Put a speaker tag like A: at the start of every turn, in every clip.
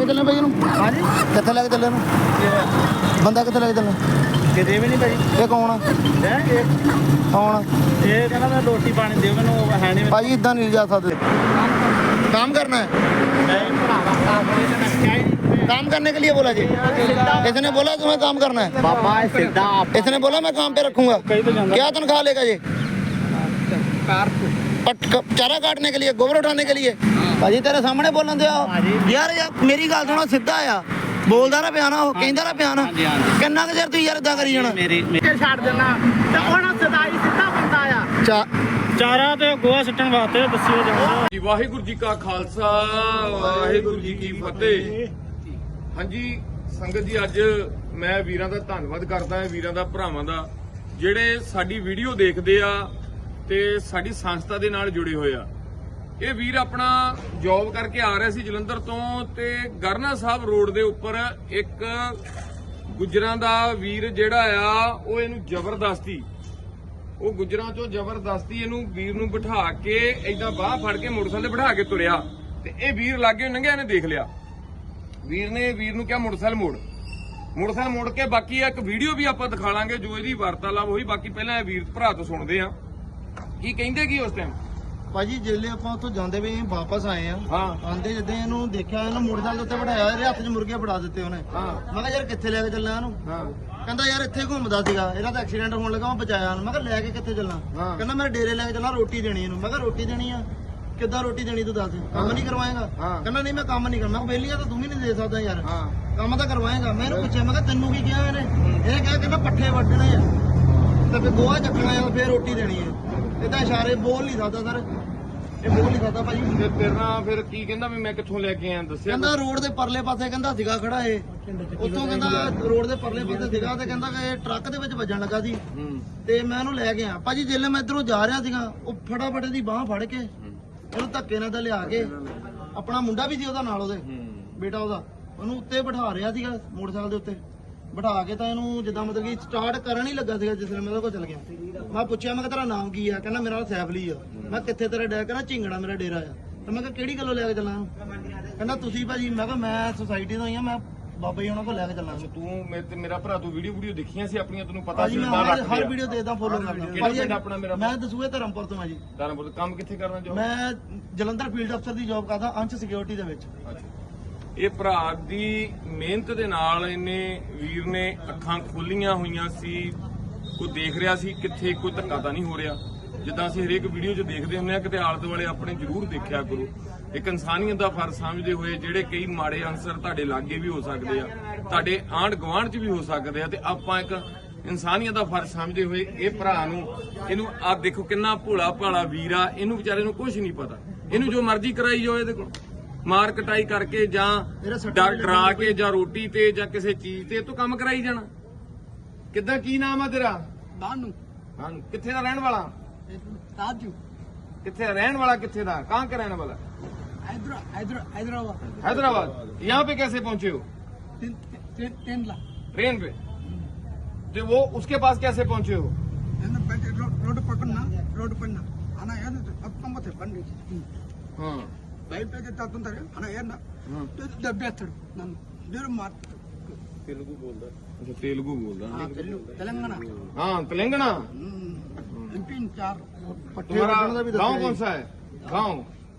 A: ਕੇ ਚੱਲੇ ਭਾਈ ਇਹਨੂੰ?
B: ਹਾਂਜੀ
A: ਕਿੱਥੇ ਲੈ ਕੇ ਚੱਲੇ ਇਹਨੂੰ? ਬੰਦਾ ਕਿੱਥੇ ਲੈ ਕੇ ਚੱਲੇ?
B: ਕਿਤੇ ਵੀ ਨਹੀਂ ਭਾਈ।
A: ਇਹ ਕੌਣ ਆ? ਕੌਣ?
B: ਇਹ ਕਹਿੰਦਾ ਮੈਂ ਰੋਟੀ ਪਾਣੀ ਦਿਓ ਮੈਨੂੰ, ਹੈ ਨਹੀਂ
A: ਭਾਈ ਇਦਾਂ ਨਹੀਂ ਜਾ ਸਕਦੇ। काम करना है, काम करने के लिए बोला जी। इसने बोला तुम्हें काम करना है?
B: बाबा सीधा
A: इसने बोला मैं काम पे रखूंगा। क्या तनख्वाह लेगा ये? चारा काटने के लिए, गोबर उठाने के लिए? भाजी तेरे सामने बोलन दे यार, मेरी गल सुनो, सीधा आ बोलदा ना पिया ना, कहंदा ना पिया ना, किन्ना क चਿਰ तू यार इदां करी जाना?
B: मेरी छाड़ देना ते हुण सदाई सीधा बंदा आ। ਚਾਰਾ ਤੇ ਗੋਹਾ ਸਿੱਟਣ ਵਾਸਤੇ ਦੱਸਿਓ ਜਾਂਦਾ
C: ਜੀ। ਵਾਹਿਗੁਰੂ ਜੀ ਕਾ ਖਾਲਸਾ, ਵਾਹਿਗੁਰੂ ਜੀ ਕੀ ਫਤਿਹ। ਹਾਂਜੀ ਸੰਗਤ ਜੀ, ਅੱਜ ਮੈਂ ਵੀਰਾਂ ਦਾ ਧੰਨਵਾਦ ਕਰਦਾ ਹਾਂ, ਵੀਰਾਂ ਦਾ, ਭਰਾਵਾਂ ਦਾ, ਜਿਹੜੇ ਸਾਡੀ ਵੀਡੀਓ ਦੇਖਦੇ ਆ ਤੇ ਸਾਡੀ ਸੰਸਥਾ ਦੇ ਨਾਲ ਜੁੜੇ ਹੋਏ ਆ। ਇਹ ਵੀਰ ਆਪਣਾ ਜੌਬ ਕਰਕੇ ਆ ਰਿਹਾ ਸੀ ਜਲੰਧਰ ਤੋਂ, ਤੇ ਗਰਨਾ ਸਾਹਿਬ ਰੋਡ ਦੇ ਉੱਪਰ ਇੱਕ ਗੁੱਜਰਾਂ ਦਾ ਵੀਰ ਜਿਹੜਾ ਆ, ਉਹ ਇਹਨੂੰ ਜ਼ਬਰਦਸਤੀ, ਉਹ ਗੁੱਜਰਾਂ ਚੋਂ ਜ਼ਬਰਦਸਤੀ ਇਹਨੂੰ ਵੀਰ ਨੂੰ ਬਿਠਾ ਕੇ ਏਦਾਂ ਬਾਹ ਫੜ ਕੇ ਮੋਟਰਸਾਈਕਲ ਤੇ ਬਿਠਾ ਕੇ ਤੁਰਿਆ, ਤੇ ਇਹ ਵੀਰ ਲਾਗੇ ਲੰਘਿਆ, ਇਹਨੇ ਦੇਖ ਲਿਆ। ਵੀਰ ਨੇ ਵੀਰ ਨੂੰ ਕਿਹਾ ਮੋਟਰਸਾਈਕਲ ਮੋੜ ਕੇ, ਬਾਕੀ ਇੱਕ ਵੀਡੀਓ ਵੀ ਆਪਾਂ ਦਿਖਾ ਲਾਂਗੇ ਜੋ ਇਹਦੀ ਵਾਰਤਾਲਾਪ ਹੋਈ। ਬਾਕੀ ਪਹਿਲਾਂ ਇਹ ਵੀਰ ਭਰਾ ਤੋਂ ਸੁਣਦੇ ਆ ਕੀ ਕਹਿੰਦੇ ਕੀ ਉਸ ਟਾਈਮ।
A: ਭਾਜੀ ਜਿੱਲੇ ਆਪਾਂ ਉੱਥੋਂ ਜਾਂਦੇ ਵੀ ਵਾਪਸ ਆਏ ਆ,
C: ਹਾਂ
A: ਆਂਦੇ ਜਿੱਦਾਂ ਇਹਨੂੰ ਦੇਖਿਆ, ਇਹਨੂੰ ਮੋਟਰਸਾਈਕਲ ਦੇ ਉੱਤੇ ਬਿਠਾਇਆ, ਇਹਦੇ ਹੱਥ 'ਚ ਮੁਰਗੇ ਫੜਾ ਦਿੱਤੇ ਉਹਨੇ। ਮੈਂ ਕਿਹਾ ਯਾਰ ਕਿੱਥੇ ਲੈ ਕੇ ਚੱਲਾਂ ਇਹਨੂੰ? ਕਹਿੰਦਾ ਯਾਰ ਇੱਥੇ ਘੁੰਮਦਾ ਸੀਗਾ, ਇਹਦਾ ਤਾਂ ਐਕਸੀਡੈਂਟ ਹੋਣ ਲੱਗਾ, ਮੈਂ ਬਚਾਇਆ ਉਹਨੂੰ। ਮੈਂ ਕਿਹਾ ਲੈ ਕੇ ਕਿੱਥੇ ਚੱਲਾਂ? ਕਹਿੰਦਾ ਮੇਰੇ ਡੇਰੇ ਲੈ ਕੇ ਚੱਲਾਂ, ਰੋਟੀ ਦੇਣੀ ਇਹਨੂੰ। ਮੈਂ ਕਿਹਾ ਰੋਟੀ ਦੇਣੀ ਆ? ਕਿੱਦਾਂ ਰੋਟੀ ਦੇਣੀ ਤੂੰ ਦੱਸ, ਕੰਮ ਨਹੀਂ ਕਰਵਾਏਗਾ? ਕਹਿੰਦਾ ਨਹੀਂ ਮੈਂ ਕੰਮ ਨਹੀਂ ਕਰਨਾ। ਮੈਂ ਬੇਲੀਆਂ ਤਾਂ ਤੂੰ ਵੀ ਨਹੀਂ ਦੇ ਸਕਦਾ ਯਾਰ, ਕੰਮ ਤਾਂ ਕਰਵਾਏਗਾ। ਮੈਂ ਇਹਨੂੰ ਪੁੱਛਿਆ, ਮੈਂ ਕਿਹਾ ਤੈਨੂੰ ਕੀ ਕਿਹਾ ਇਹਨੇ? ਇਹ ਕਿਹਾ ਕਹਿੰਦਾ ਪੱਠੇ ਵੱਢਣੇ ਆ ਤੇ ਫਿਰ ਗੋਹਾ ਚੱਕਣਾ ਆ, ਫਿਰ ਰੋਟੀ ਦੇਣੀ ਹੈ। ਇਹਦਾ ਇਸ਼ਾਰੇ ਬੋਲ ਨਹੀਂ ਸਕਦਾ ਸਰ, ਇਹ ਬੋਲ ਨਹੀਂ ਸਕਦਾ ਭਾਜੀ।
C: ਤੇ ਤੇਰਾ ਫਿਰ ਕੀ ਕਹਿੰਦਾ ਵੀ ਮੈਂ ਕਿੱਥੋਂ ਲੈ ਕੇ ਆਇਆ ਦੱਸਿਆ?
A: ਕਹਿੰਦਾ ਰੋਡ ਦੇ ਪਰਲੇ ਪਾਸੇ ਕਹਿੰਦਾ ਸੀਗਾ ਖੜਾ ਇਹ, ਉੱਥੋਂ ਕਹਿੰਦਾ ਰੋਡ ਦੇ ਪਰਲੇ ਪਾਸੇ ਸੀਗਾ, ਤੇ ਕਹਿੰਦਾ ਕਿ ਇਹ ਟਰੱਕ ਦੇ ਵਿੱਚ ਵੱਜਣ ਲੱਗਾ ਸੀ, ਤੇ ਮੈਂ ਉਹਨੂੰ ਲੈ ਕੇ ਆ ਭਾਜੀ। ਜਿੱਲੇ ਮੈਂ ਇਧਰੋਂ ਜਾ ਰਿਹਾ ਸੀਗਾ, ਉਹ ਫਟਾਫਟ ਦੀ ਬਾਹ ਫੜ ਕੇ ਉਹਨੂੰ ਧੱਕੇ ਨਾਲ ਤਾਂ ਲਿਆ ਕੇ, ਆਪਣਾ ਮੁੰਡਾ ਵੀ ਸੀ ਉਹਦਾ ਨਾਲ, ਉਹਦੇ ਬੇਟਾ ਉਹਦਾ, ਉਹਨੂੰ ਉੱਤੇ ਬਿਠਾ ਰਿਹਾ ਸੀਗਾ ਮੋਟਰਸਾਈਕਲ ਦੇ ਉੱਤੇ ਬਿਠਾ ਕੇ, ਤਾਂ ਇਹਨੂੰ ਜਿੱਦਾਂ ਮਤਲਬ ਕਿ ਸਟਾਰਟ ਕਰਨ ਹੀ ਲੱਗਾ ਸੀਗਾ ਜਿਸ ਵੇਲੇ ਮੈਂ ਉਹਦੇ ਕੋਲ ਚੱਲ ਗਿਆ। ਮੈਂ ਪੁੱਛਿਆ, ਮੈਂ ਕਿਹਾ ਤੇਰਾ ਨਾਮ ਕੀ ਆ? ਕਹਿੰਦਾ ਮੇਰਾ ਨਾਮ ਸੈਫਲੀ ਆ। ਮੈਂ ਕਿੱਥੇ ਤੇਰਾ ਡੇਰਾ? ਕਹਿੰਦਾ ਝਿੰਗੜਾ ਮੇਰਾ ਡੇਰਾ ਆ। ਤੇ ਮੈਂ ਕਿਹਾ ਕਿਹੜੀ ਗੱਲੋਂ ਲੈ ਕੇ ਚੱਲਾਂ? ਕਹਿੰਦਾ ਤੁਸੀਂ ਭਾਜੀ। ਮੈਂ ਕਿਹਾ ਮੈਂ ਸੁਸਾਇਟੀ ਤੋਂ ਹੀ ਆ, ਮੈਂ ਬਾਬਾ ਜੀ ਉਹਨਾਂ ਕੋਲ ਲੈ ਕੇ ਚੱਲਾਂ।
C: ਤੂੰ ਮੇਰਾ ਭਰਾ, ਤੂੰ ਵੀਡੀਓ ਦੇਖੀਆਂ ਸੀ ਆਪਣੀਆਂ, ਤੈਨੂੰ ਪਤਾ ਸੀ?
A: ਹਰ ਵੀਡੀਓ ਦੇਖਦਾ, ਫੋਲੋ ਕਰਦਾ
C: ਆਪਣਾ ਮੇਰਾ।
A: ਮੈਂ ਦਸੂਏ ਧਰਮਪੁਰ ਤੋਂ ਆ ਜੀ।
C: ਧਰਮਪੁਰ ਕੰਮ ਕਿੱਥੇ ਕਰਨਾ ਚਾਹੁੰਦਾ?
A: ਮੈਂ ਜਲੰਧਰ ਫੀਲਡ ਅਫਸਰ ਦੀ ਜੌਬ ਕਰਦਾ, ਅੰਸ਼ ਸਿਕਿਉਰਿਟੀ ਦੇ ਵਿੱਚ।
C: ਇਹ ਭਰਾ ਦੀ ਮਿਹਨਤ ਦੇ ਨਾਲ ਇਹਨੇ ਵੀਰ ਨੇ ਅੱਖਾਂ ਖੋਲੀਆਂ ਹੋਈਆਂ ਸੀ, ਕੋਈ ਦੇਖ ਰਿਹਾ ਸੀ ਕਿੱਥੇ ਕੋਈ ਧੱਕਾ ਤਾਂ ਨਹੀਂ ਹੋ ਰਿਹਾ। ਜਿੱਦਾਂ ਅਸੀਂ ਹਰੇਕ ਵੀਡੀਓ 'ਚ ਦੇਖਦੇ ਹੁੰਦੇ ਆ, ਕਿਤੇ ਆਲੇ ਦੁਆਲੇ ਆਪਣੇ ਜ਼ਰੂਰ ਦੇਖਿਆ ਕਰੋ। ਇੱਕ ਇਨਸਾਨੀਅਤ ਦਾ ਫਰਜ਼ ਸਮਝਦੇ ਹੋਏ, ਜਿਹੜੇ ਕਈ ਮਾੜੇ ਅਨਸਰ ਤੁਹਾਡੇ ਲਾਗੇ ਵੀ ਹੋ ਸਕਦੇ ਆ, ਤੁਹਾਡੇ ਆਂਢ ਗੁਆਂਢ 'ਚ ਵੀ ਹੋ ਸਕਦੇ ਆ, ਤੇ ਆਪਾਂ ਇੱਕ ਇਨਸਾਨੀਅਤ ਦਾ ਫਰਜ਼ ਸਮਝਦੇ ਹੋਏ ਇਹ ਭਰਾ ਨੂੰ, ਇਹਨੂੰ ਆਪ ਦੇਖੋ ਕਿੰਨਾ ਭੋਲਾ ਭਾਲਾ ਵੀਰ ਆ, ਇਹਨੂੰ ਵਿਚਾਰੇ ਨੂੰ ਕੁਝ ਨਹੀਂ ਪਤਾ। ਇਹਨੂੰ ਜੋ ਮਰਜ਼ੀ ਕਰਾਈ ਜਾਓ, ਇਹਦੇ ਕੋਲ ਮਾਰ ਕਟਾਈ ਕਰਕੇ ਜਾਂ ਡਰਾ ਕੇ ਜਾਂ ਰੋਟੀ ਤੇ ਜਾਂ ਕਿਸੇ ਚੀਜ਼ ਤੇ ਤੂੰ ਕੰਮ ਕਰਾਈ ਜਾਣਾ। ਕਿੱਦਾਂ, ਕੀ ਨਾਮ ਆ ਤੇਰਾ?
B: ਬਾਨੂ।
C: ਕਿੱਥੇ ਦਾ ਰਹਿਣ ਵਾਲਾ?
B: ਰਾਜੂ।
C: ਕਿੱਥੇ ਰਹਿਣ वाला? किथे था? कहाँ का रहने वाला?
B: हैदराबाद।
C: हैदराबाद। यहाँ पे कैसे पहुंचे हो? ट्रेन पे। तो वो उसके पास कैसे पहुंचे हो?
B: रोड पड़ना आना यार अब कम थे बंदी।
C: हाँ
B: బయట తత్తుంటారు అన్న ఏనా దెబ్బేస్తాడు నన్ను దూర మాట.
C: तेलुगु बोलता? अच्छा तेलुगु बोलता?
B: तेलंगाना।
C: हाँ तेलंगाना।
B: MP 4।
C: तुम्हारा गाँव कौन सा है? गाँव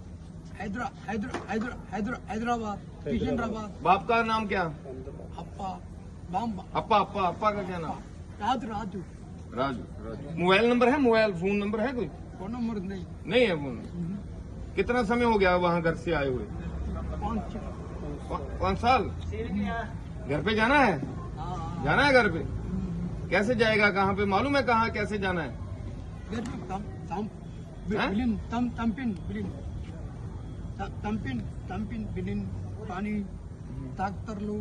B: हैदराबाद किशनराबाद।
C: बाप का नाम क्या?
B: अप्पा बाम्बा।
C: अप्पा का क्या नाम?
B: राजू।
C: मोबाइल नंबर है? फोन नंबर है कोई?
B: फोन नंबर
C: नहीं है फोन। कितना समय हो गया वहाँ घर से आए हुए? 5 साल। घर पे जाना है? जाना है घर पे? कैसे जाएगा? कहाँ पे मालूम है? कहाँ कैसे जाना है?
B: तंपिन बिलिन पानी ताकतर लो।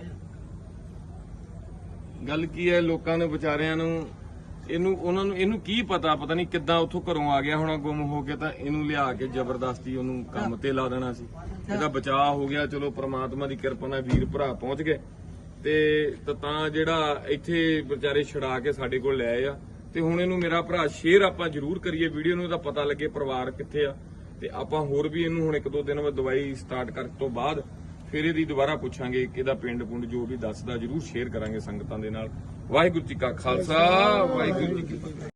C: गल की है लोगों ने बेचारियां ਨੂੰ ਇਹਨੂੰ ਕੀ ਪਤਾ ਨਹੀਂ ਕਿੱਦਾਂ ਉੱਥੋਂ ਘਰੋਂ ਆ ਗਿਆ ਹੋਣਾ ਗੁੰਮ ਹੋ ਕੇ, ਤਾਂ ਇਹਨੂੰ ਲਿਆ ਕੇ ਜ਼ਬਰਦਸਤੀ ਉਹਨੂੰ ਕੰਮ ਤੇ ਲਾ ਦੇਣਾ ਸੀ। ਇਹਦਾ ਬਚਾਅ ਹੋ ਗਿਆ, ਚਲੋ ਪ੍ਰਮਾਤਮਾ ਦੀ ਕਿਰਪਾ ਨਾਲ ਵੀਰ ਭਰਾ ਪਹੁੰਚ ਗਏ, ਤੇ ਤਾਂ ਜਿਹੜਾ ਇੱਥੇ ਵਿਚਾਰੇ ਛੁਡਾ ਕੇ ਸਾਡੇ ਕੋਲ ਲੈ ਆਏ ਆ। ਤੇ ਹੁਣ ਇਹਨੂੰ ਮੇਰਾ ਭਰਾ ਸ਼ੇਅਰ ਆਪਾਂ ਜ਼ਰੂਰ ਕਰੀਏ ਵੀਡੀਓ ਨੂੰ, ਇਹਦਾ ਪਤਾ ਲੱਗੇ ਪਰਿਵਾਰ ਕਿੱਥੇ ਆ, ਤੇ ਆਪਾਂ ਹੋਰ ਵੀ ਇਹਨੂੰ ਹੁਣ 1-2 ਦਿਨ ਬਾਅਦ ਦਵਾਈ ਸਟਾਰਟ ਕਰਨ ਤੋਂ ਬਾਅਦ ਫਿਰ ਇਹਦੀ ਦੁਬਾਰਾ ਪੁੱਛਾਂਗੇ ਕਿ ਇਹਦਾ ਪਿੰਡ ਪੁੰਡ ਜੋ ਵੀ ਦੱਸਦਾ ਜਰੂਰ ਸ਼ੇਅਰ ਕਰਾਂਗੇ ਸੰਗਤਾਂ ਦੇ ਨਾਲ। ਵਾਹਿਗੁਰੂ ਜੀ ਕਾ ਖਾਲਸਾ, ਵਾਹਿਗੁਰੂ ਜੀ ਕੀ ਫਤਿਹ।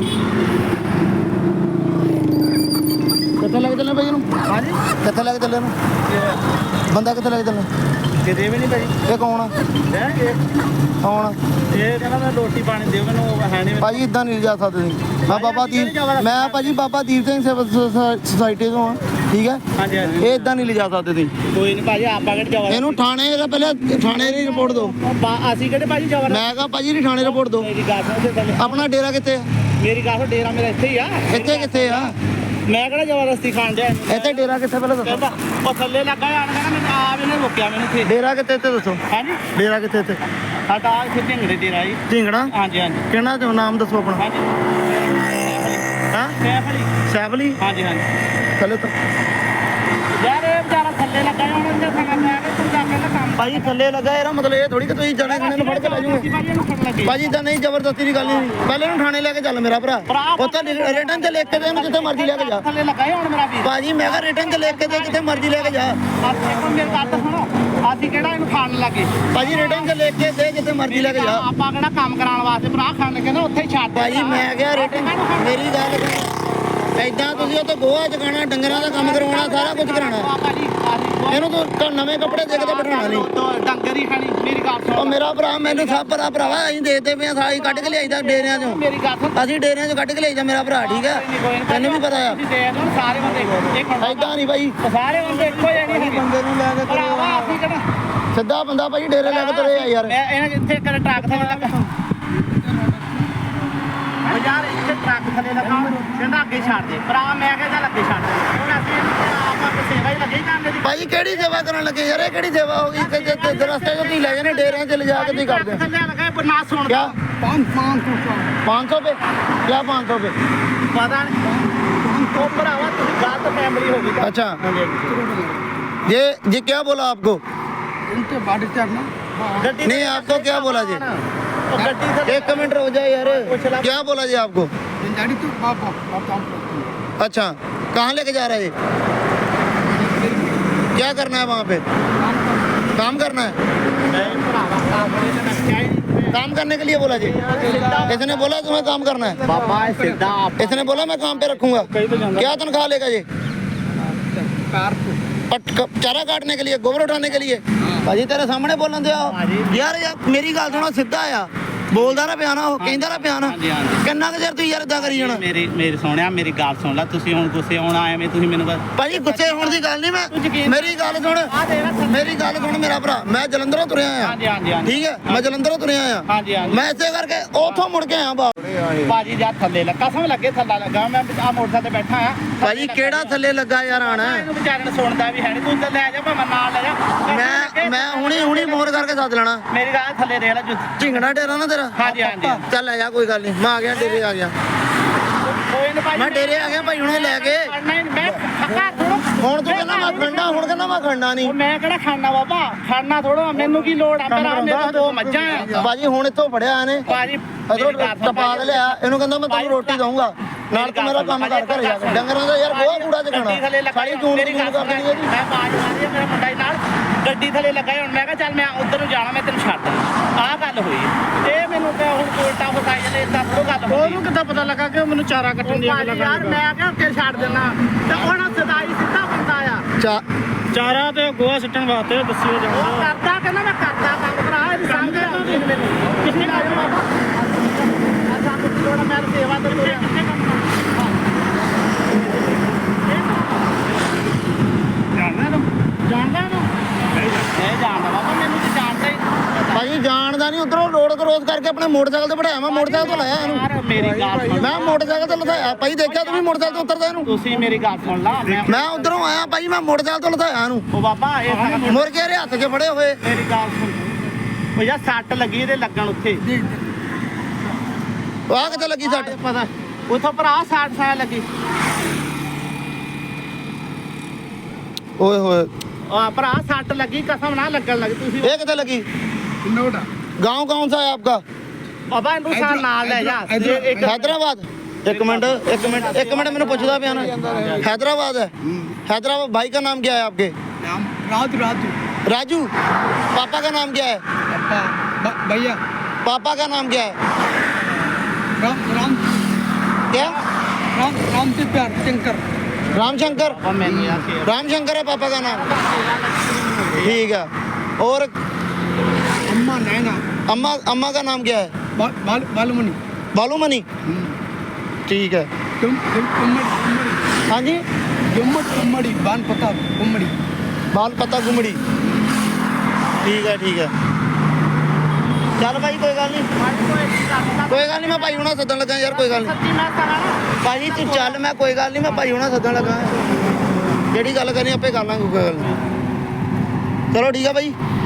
A: ਕਿੱਥੇ ਲੈ ਕੇ ਚੱਲੇ ਭਾਈ ਇਹਨੂੰ? ਹਾਂਜੀ ਕਿੱਥੇ ਲੈ ਕੇ ਚੱਲੇ ਇਹਨੂੰ? ਬੰਦਾ ਕਿੱਥੇ ਲੈ ਕੇ ਚੱਲੇ?
B: ਕਿਤੇ ਵੀ ਨਹੀਂ ਭਾਜੀ।
A: ਇਹ ਕੌਣ ਆ? ਕੌਣ?
B: ਇਹ ਕਹਿੰਦਾ ਮੈਂ ਰੋਟੀ ਪਾਣੀ ਦਿਓ ਮੈਨੂੰ, ਹੈ ਨਹੀਂ
A: ਭਾਜੀ ਇਦਾਂ ਨਹੀਂ ਲਿਜਾ ਸਕਦੇ ਤੁਸੀਂ। ਮੈਂ ਬਾਬਾ ਦੀਪ, ਮੈਂ ਭਾਜੀ ਬਾਬਾ ਦੀਪ ਸਿੰਘ ਸੇਵਾ ਸੁਸਾਇਟੀ ਤੋਂ ਆ, ਠੀਕ ਹੈ?
B: ਹਾਂਜੀ ਹਾਂਜੀ
A: ਇਹ ਇਦਾਂ ਨਹੀਂ ਲਿਜਾ ਸਕਦੇ ਤੁਸੀਂ।
B: ਕੋਈ ਨਹੀਂ ਭਾਜੀ, ਆਪਾਂ ਕਿਹੜੇ ਜਵਾਬ
A: ਇਹਨੂੰ ਥਾਣੇ ਇਹਦਾ ਪਹਿਲੇ ਥਾਣੇ ਦੀ ਰਿਪੋਰਟ ਦਿਓ।
B: ਅਸੀਂ ਕਿਹੜੇ ਭਾਜੀ ਜਵਾਬ
A: ਮੈਂ ਕਹਾ ਭਾਜੀ ਦੀ ਥਾਣੇ ਰਿਪੋਰਟ ਦਿਓ।
B: ਮੇਰੀ ਗੱਲ ਸੁਣ ਤੇ ਥੱਲੇ
A: ਆਪਣਾ ਡੇਰਾ ਕਿੱਥੇ ਆ?
B: ਮੇਰੀ ਗੱਲ ਸੁਣ, ਡੇਰਾ ਮੇਰਾ ਇੱਥੇ ਹੀ ਆ।
A: ਇੱਥੇ ਕਿੱਥੇ ਆ?
B: ਮੈਂ ਕਿਹੜਾ ਜ਼ਬਰਦਸਤੀ ਖਾਣ ਡਿਆ
A: ਇੱਥੇ ਡੇਰਾ ਕਿੱਥੇ ਪਹਿਲਾਂ ਦੱਸੋ?
B: ਕਹਿੰਦਾ ਉਹ ਥੱਲੇ ਲੱਗਾ ਆਣ ਕਹਿੰਦਾ ਮੈਨੂੰ ਆਪ ਇਹਨੇ ਰੋਕਿਆ ਮੈਨੂੰ ਇੱਥੇ।
A: ਡੇਰਾ ਕਿੱਥੇ ਇੱਥੇ ਦੱਸੋ?
B: ਹਾਂਜੀ
A: ਡੇਰਾ ਕਿੱਥੇ ਇੱਥੇ?
B: ਸਾਡਾ ਆ ਇੱਥੇ ਢਿੰਗੜੇ ਡੇਰਾ ਜੀ।
A: ਢਿੰਗੜਾ?
B: ਹਾਂਜੀ ਹਾਂਜੀ
A: ਕਿਹੜਾ ਤੇ ਨਾਮ ਦੱਸੋ ਆਪਣਾ?
B: ਹਾਂਜੀ
A: ਹਾਂ
B: ਸੈਫ ਅਲੀ।
A: ਸੈਫਲੀ?
B: ਹਾਂਜੀ ਹਾਂਜੀ
A: ਥੱਲੇ ਤੋਂ
B: ਯਾਰ ਇਹ ਵਿਚਾਰਾ ਥੱਲੇ ਲੱਗਾ ਹੁਣ ਇਹਦੇ ਸੰਗ ਮੈਂ ਕਿ ਤੂੰ ਜਾ ਕੇ ਨਾ ਕੰਮ
A: ਭਾਜੀ ਥੱਲੇ ਲੱਗਾ, ਇਹਦਾ ਮਤਲਬ ਇਹ ਥੋੜੀ ਕਿ ਤੁਸੀਂ ਜਣੇ ਖਣੇ ਨੂੰ ਫੜ ਕੇ ਲੈ ਜਾਓਗੇ।
B: ਭਾਜੀ ਇਹਨੂੰ ਫੜਨ ਲੱਗੇ।
A: ਭਾਜੀ ਤਾਂ ਨਹੀਂ, ਜ਼ਬਰਦਸਤੀ ਦੀ ਗੱਲ ਨਹੀਂ। ਪਹਿਲੇ ਨੂੰ ਥਾਣੇ ਲੈ ਕੇ ਚੱਲ ਮੇਰਾ ਭਰਾ। ਉੱਥੇ ਰਿਟਰਨ ਤੇ ਲਿਖ ਕੇ ਦੇ, ਇਹਨੂੰ ਜਿੱਥੇ ਮਰਜ਼ੀ ਲੈ ਕੇ ਜਾ।
B: ਥੱਲੇ ਲੱਗਾ ਹੁਣ ਮੇਰਾ ਵੀਰ।
A: ਭਾਜੀ ਮੈਂ ਕਿਹਾ ਰਿਟਰਨ ਤੇ ਲਿਖ ਕੇ ਦੇ, ਜਿੱਥੇ ਮਰਜ਼ੀ ਲੈ ਕੇ ਜਾ।
B: ਅਸੀਂ ਕੋਲ ਮੇਰੀ ਗੱਲ ਤਾਂ ਸੁਣੋ, ਅਸੀਂ ਕਿਹੜਾ ਇਹਨੂੰ ਖਾਣ ਲੱਗੇ।
A: ਭਾਜੀ ਰਿਟਰਨ ਤੇ ਲਿਖ ਕੇ ਦੇ, ਜਿੱਥੇ ਮਰਜ਼ੀ ਲੈ ਕੇ ਜਾ।
B: ਆਪਾਂ ਕਿਹੜਾ ਕੰਮ ਕਰਾਉਣ ਵਾਸਤੇ ਭਰਾ ਖਾਣ ਲੱਗੇ ਨਾ, ਉੱਥੇ ਹੀ ਛੱਡ ਦੇ।
A: ਭਾਜੀ ਮੈਂ ਕਿਹਾ ਰਿਟਰਨ, ਮੇਰੀ ਗੱਲ ਏਦਾਂ ਤੁਸੀਂ ਉੱਥੇ ਗੋਹਾ ਚਕਾਣਾ, ਡੰਗਰਾਂ ਦਾ ਕੰਮ ਕਰਵਾਉਣਾ, ਸਾਰਾ ਕੁਝ ਕਰਾਉਣਾ।
B: ਭਾਜੀ
A: ਇਹਨੂੰ ਤੂੰ ਨਵੇਂ ਕੱਪੜੇ ਦੇ ਕੇ ਤੇ ਬਿਠਾਉਣਾ ਨਹੀਂ।
B: ਡੰਗਰ ਹੀ ਖਾਣੀ। ਮੇਰੀ ਗੱਲ
A: ਉਹ
B: ਸੁਣ,
A: ਮੇਰਾ ਭਰਾ ਮੈਨੂੰ ਸਭ ਪਤਾ ਭਰਾਵਾ, ਅਸੀਂ ਦੇਖਦੇ ਪਏ ਆ, ਸਾਰੀ ਕੱਢ ਕੇ ਲਿਆਈਦਾ ਡੇਰਿਆਂ ਚੋਂ।
B: ਮੇਰੀ ਗੱਲ ਸੁਣ,
A: ਅਸੀਂ ਡੇਰਿਆਂ ਚੋਂ ਕੱਢ ਕੇ ਲਿਆਈਦਾ ਮੇਰਾ ਭਰਾ, ਠੀਕ ਹੈ? ਤੈਨੂੰ ਵੀ ਪਤਾ ਆ।
B: ਤੁਸੀਂ ਦੇਖ ਲਓ ਸਾਰੇ ਬੰਦੇ ਇੱਕ
A: ਏਦਾਂ ਨਹੀਂ ਭਾਈ,
B: ਸਾਰੇ ਬੰਦੇ ਇੱਕੋ ਜਿਹੇ ਨਹੀਂ ਹੈਗੇ।
A: ਬੰਦੇ ਨੂੰ ਲੈ ਕੇ ਤੁਰੇ
B: ਭਰਾਵਾ
A: ਆ।
B: ਅਸੀਂ ਕਿਹੜਾ
A: ਸਿੱਧਾ ਬੰਦਾ ਭਾਈ ਡੇਰੇ ਲੈ ਕੇ ਤੁਰੇ ਆ ਯਾਰ।
B: ਮੈਂ ਇਹਨਾਂ ਇੱਥੇ ਕਰ ਟਰੱਕ ਥੱਲੇ ਲੱਗਾ। ਉਹ ਯਾਰ ਇੱਥੇ ਟਰੱਕ ਥੱਲੇ ਲੱਗਾ, ਕਹਿੰਦਾ ਅੱਗੇ ਛੱਡ ਦੇ। ਭਰਾ ਮੈਂ ਕਿਹਾ ਚੱਲ ਅੱਗੇ ਛੱਡ ਦੇ। ਹੁਣ ਅਸੀਂ ਆਪਾਂ ਸੇਵਾ ਹੀ ਲੱਗੇ ਜਾਂਦੇ ਦੀ।
A: ਭਾਈ ਕਿਹੜੀ ਸੇਵਾ ਕਰਨ ਲੱਗੇ ਯਾਰ? ਇਹ ਕਿਹੜੀ ਸੇਵਾ ਹੋ ਗਈ ਕਿ ਰਸਤੇ 'ਚ ਤੁਸੀਂ ਲੈ ਜਾਂਦੇ ਡੇਰਿਆਂ 'ਚ ਲਿਜਾ ਕੇ ਤੁਸੀਂ ਕਰਦੇ ਹੋ?
B: ਥੱਲੇ ਲੱਗਾ ਪਰ ਨਾ ਸੁਣਦਾ।
A: क्या 500 पे? क्या 500 पे?
B: ਪਤਾ ਨਹੀਂ ਉਹ ਭਰਾਵਾ ਤੁਸੀਂ ਗਲਤ ਫੈਮਿਲੀ ਹੋ ਗਈ।
A: अच्छा ये क्या बोला आपको?
B: ਗੱਡੀ
A: नहीं आपको क्या बोला जी?
B: ਉਹ ਗੱਡੀ ਥੱਲੇ
A: एक मिनट रुक जाए यार, क्या बोला जी आपको? अच्छा कहाँ लेके जा रहे हैं? क्या करना है वहाँ पे? काम करना है? काम करने के लिए बोला जी? इसने बोला तुम्हें काम करना है?
B: ਬਾਬਾ ਇਹ ਸਿੱਧਾ
A: इसने बोला मैं काम पे रखूंगा। क्या तनख्वाह लेगा जी? चारा काटने के लिए, गोबर उठाने के लिए? भाजी तेरे सामने बोलन दिया यार, मेरी गल सुनो, सीधा आ ਬੋਲਦਾ ਨਾ ਪਿਆ ਨਾ, ਉਹ ਕਹਿੰਦਾ ਨਾ ਪਿਆ ਨਾ। ਕਿੰਨਾ ਕੁ ਚਿਰ ਤੁਸੀਂ ਯਾਰ ਇਦਾਂ ਕਰੀ ਜਾਣਾ?
B: ਮੇਰੀ ਸੋਹਣਿਆ ਮੇਰੀ ਗੱਲ ਸੁਣ ਲੈ। ਤੁਸੀਂ ਹੁਣ ਗੁੱਸੇ ਆਉਣ ਆਏ ਮੈਂ ਤੁਸੀਂ ਮੈਨੂੰ
A: ਭਾਜੀ ਗੁੱਸੇ ਹੋਣ ਦੀ ਗੱਲ ਨਹੀਂ, ਮੈਂ ਮੇਰੀ ਗੱਲ ਸੁਣ, ਮੇਰੀ ਗੱਲ ਸੁਣ ਮੇਰਾ ਭਰਾ, ਮੈਂ ਜਲੰਧਰੋਂ ਤੁਰਿਆ ਆ।
B: ਹਾਂਜੀ ਹਾਂਜੀ ਹਾਂਜੀ
A: ਠੀਕ ਹੈ, ਮੈਂ ਜਲੰਧਰੋਂ ਤੁਰਿਆ ਆ।
B: ਹਾਂਜੀ ਹਾਂਜੀ
A: ਮੈਂ ਇਸੇ ਕਰਕੇ ਉੱਥੋਂ ਮੁੜ ਕੇ ਆਇਆ ਬਾਪ।
B: ਬਾਜੀ ਜਾ ਥੱਲੇ ਲੱਗਾ, ਕਸਮ ਲੱਗੇ ਥੱਲਾ ਲੱਗਾ। ਮੈਂ ਆ ਮੋਟਰਸਾਈਕਲ ਤੇ ਬੈਠਾ ਆ।
A: ਭਾਜੀ ਕਿਹੜਾ ਥੱਲੇ ਲੱਗਾ ਯਾਰ ਆਣਾ?
B: ਇਹਨੂੰ ਵਿਚਾਰੇ ਨੂੰ ਸੁਣਦਾ ਵੀ ਹੈ ਨਹੀਂ। ਤੂੰ ਲੈ ਜਾ ਭਾਵੇਂ ਨਾਲ ਲੈ ਜਾ।
A: ਮੈਂ ਹੁਣੀ ਮੋਰ ਕਰਕੇ ਸੱਦ ਲੈਣਾ।
B: ਮੇਰੀ ਗੱਲ ਥੱਲੇ ਦੇਖ ਲੈ
A: ਝਿੰਗਣਾ ਡੇਰਾ ਨਾ ਤੇਰਾ?
B: ਹਾਂਜੀ ਹਾਂਜੀ
A: ਚੱਲ ਲੈ ਜਾ, ਕੋਈ ਗੱਲ ਨਹੀਂ, ਮੈਂ ਆ ਗਿਆ, ਡੇਰੇ ਆ ਗਿਆ।
B: ਕੋਈ ਨਾ ਭਾਈ,
A: ਮੈਂ ਡੇਰੇ ਆ ਗਿਆ ਭਾਈ, ਹੁਣੇ ਲੈ ਕੇ।
B: ਮੈਂ ਖੱਕਾ ਥੋੜਾ।
A: ਹੁਣ ਤੂੰ ਕਹਿੰਦਾ ਮੈਂ ਖੜਨਾ, ਹੁਣ ਕਹਿੰਦਾ ਮੈਂ ਖੜਨਾ ਨਹੀਂ।
B: ਉਹ ਮੈਂ ਕਿਹੜਾ ਖਾਣਾ ਬਾਬਾ, ਖਾਣਾ ਥੋੜਾ। ਮੈਨੂੰ ਕੀ ਲੋੜ ਆ? ਮੇਰਾ ਮੇਰੇ ਦੋ ਮੱਝਾਂ ਆ।
A: ਭਾਜੀ ਹੁਣ ਇੱਥੋਂ ਫੜਿਆ ਇਹਨੇ,
B: ਭਾਜੀ
A: ਅਦੋਂ ਟਪਾ ਕੇ ਲਿਆ ਇਹਨੂੰ, ਕਹਿੰਦਾ ਮੈਂ ਤੈਨੂੰ ਰੋਟੀ ਦਊਂਗਾ, ਨਾਲ ਤੂੰ ਮੇਰਾ ਕੰਮ ਕਰ ਘਰੇ ਜਾ ਕੇ। ਡੰਗਰਾਂ ਦਾ ਯਾਰ ਗੋਹਾ ਕੂੜਾ ਚਕਾਣਾ, ਸਾਰੀ ਜੂਨ
B: ਮੇਰੀ ਗੱਲ
A: ਕਰ ਦੇਣੀ ਇਹਦੀ।
B: ਮੈਂ ਬਾਜ ਮਾਰੀ ਮੇਰਾ ਮੁੰਡਾ ਹੀ ਨਾਲ ਗੱਡੀ ਥੱਲੇ ਲੱਗਾ। ਹੁਣ ਮੈਂ ਕਿਹਾ ਚੱਲ ਮੈਂ ਉਧਰ ਨੂੰ ਜਾਣਾ, ਮੈਂ ਤੈਨੂੰ ਛੱਡ ਆਹ ਗੱਲ ਹੋਈ। ਇਹ ਮੈਨੂੰ ਤੇ ਹੁਣ ਕੋਲਟਾ ਫਸਾਈ ਜਾਂਦੇ, ਇਦਾਂ ਥੋੜਾ ਗੱਲ ਹੋਈ। ਉਹਨੂੰ ਕਿੱਦਾਂ ਪਤਾ ਲੱਗਾ ਕਿ ਮੈਨੂੰ ਚਾਰਾ ਕੱਟਣ ਦੀ ਗੱਲ ਯਾਰ? ਮੈਂ ਕਿਹਾ ਉੱਤੇ ਛੱਡ ਦੇਣਾ ਤੇ ਹੁਣ ਸਦਾਈ ਸਿੱਧਾ ਬੰਦਾ ਆ।
D: ਚਾਰਾ ਤੇ ਗੋਹਾ ਸਿੱਟਣ ਵਾਸਤੇ ਦੱਸਿਓ
B: ਉਹ
D: ਜਾਂਦਾ।
B: ਕਰਦਾ, ਕਹਿੰਦਾ ਮੈਂ ਕਰਦਾ ਕੰਮ ਭਰਾ। ਇਹ ਸਮਝ ਆਉਂਦੀ ਮੈਨੂੰ ਕਿੰਨੇ ਕੰਮ ਬਾਬਾ ਆ ਸਾਨੂੰ ਕੀ ਲੋੜ ਆ? ਮੈਂ ਸੇਵਾ ਤੇ ਤੁਰਿਆ। ਜਾਣਦਾ ਨੂੰ ਇਹ ਜਾਣਦਾ ਬਾਬਾ, ਮੈਨੂੰ ਤੇ ਜਾਣਦਾ ਹੀ।
A: ਭਾਜੀ ਜਾਣਦਾ ਨਹੀਂ, ਉਧਰੋਂ ਰੋਡ ਕਰੋਸ ਕਰਕੇ ਆਪਣੇ ਮੋਟਰਸਾਈਕਲ ਤੇ ਬਿਠਾਇਆ, ਮੈਂ ਮੋਟਰਸਾਈਕਲ ਤੋਂ ਲਾਇਆ ਇਹਨੂੰ।
B: ਯਾਰ ਮੇਰੀ ਗੱਲ ਸੁਣ।
A: ਮੈਂ ਮੋਟਰਸਾਈਕਲ ਤੇ ਲਥਾਇਆ ਭਾਈ, ਦੇਖਿਆ ਤੂੰ ਵੀ ਮੋਟਰਸਾਈਕਲ ਤੋਂ ਉਤਰਦਾ ਇਹਨੂੰ?
B: ਤੁਸੀਂ ਮੇਰੀ ਗੱਲ ਸੁਣ ਲਾ।
A: ਮੈਂ ਉਧਰੋਂ ਆਇਆ ਭਾਈ, ਮੈਂ ਮੋਟਰਸਾਈਕਲ ਤੋਂ ਲਥਾਇਆ ਇਹਨੂੰ।
B: ਉਹ ਬਾਬਾ ਇਹ
A: ਮੁੜ ਕੇ ਇਹਦੇ ਹੱਥ 'ਚ ਫੜੇ ਹੋਏ।
B: ਮੇਰੀ ਗੱਲ ਸੁਣ। ਉਹ ਯਾਰ ਸੱਟ ਲੱਗੀ ਇਹਦੇ ਲੱਗਣ ਉੱਥੇ।
A: ਆਹ ਕਿੱਥੇ ਲੱਗੀ ਸੱਟ?
B: ਪਤਾ ਉਥੋਂ ਭਰਾ 60 ਸਾਲ ਲੱਗੀ।
A: ਓਏ ਹੋਏ,
B: ਆ ਭਰਾ ਸੱਟ ਲੱਗੀ, ਕਸਮ ਨਾ ਲੱਗਣ ਲੱਗੀ। ਤੁਸੀਂ
A: ਇਹ ਕਿੱਥੇ ਲੱਗੀ? गांव कौन सा है आपका?
B: ਬਾਬਾ ਇਹਨੂੰ ਸਾਲ ਨਾਲ ਲੈ ਜਾ। ਇੱਕ
A: हैदराबाद? एक मिनट मैंने पूछता पिया ना। हैदराबाद है? हैदराबाद। भाई का नाम क्या है आपके?
D: राजू
A: राजू पापा का नाम क्या है?
D: भैया
A: पापा का नाम क्या है?
D: राम
A: क्या?
D: राम से प्यार शंकर
A: रामशंकर।
B: ਉਹ ਮੈਨੂੰ ਯਾਰ ਫੇਰ
A: रामशंकर है पापा का नाम। ठीक है। और
D: अम्मा नैना
A: अम्मा का नाम क्या है?
D: बालूमणि
A: बालूमणि। ठीक है। हाँ जी
D: कुम्मड़ी बान पता कुम्मड़ी
A: बाल पता गुमड़ी। ठीक है ठीक है। चल भाई कोई गल नहीं, कोई गल नहीं, मैं भाई हुणा सदन लगा यार, कोई गल नहीं
B: ਸੱਚੀ ਮੈਂ ਕਰਾਂ
A: भाई तू चल, मैं कोई गल नहीं, मैं भाई हुणा सदन लगा, ਜਿਹੜੀ ਗੱਲ ਕਰਨੀ ਆਪੇ ਕਰ ਲਾਂਗੇ, ਕੋਈ ਗੱਲ ਨਹੀਂ। चलो ठीक है भाई।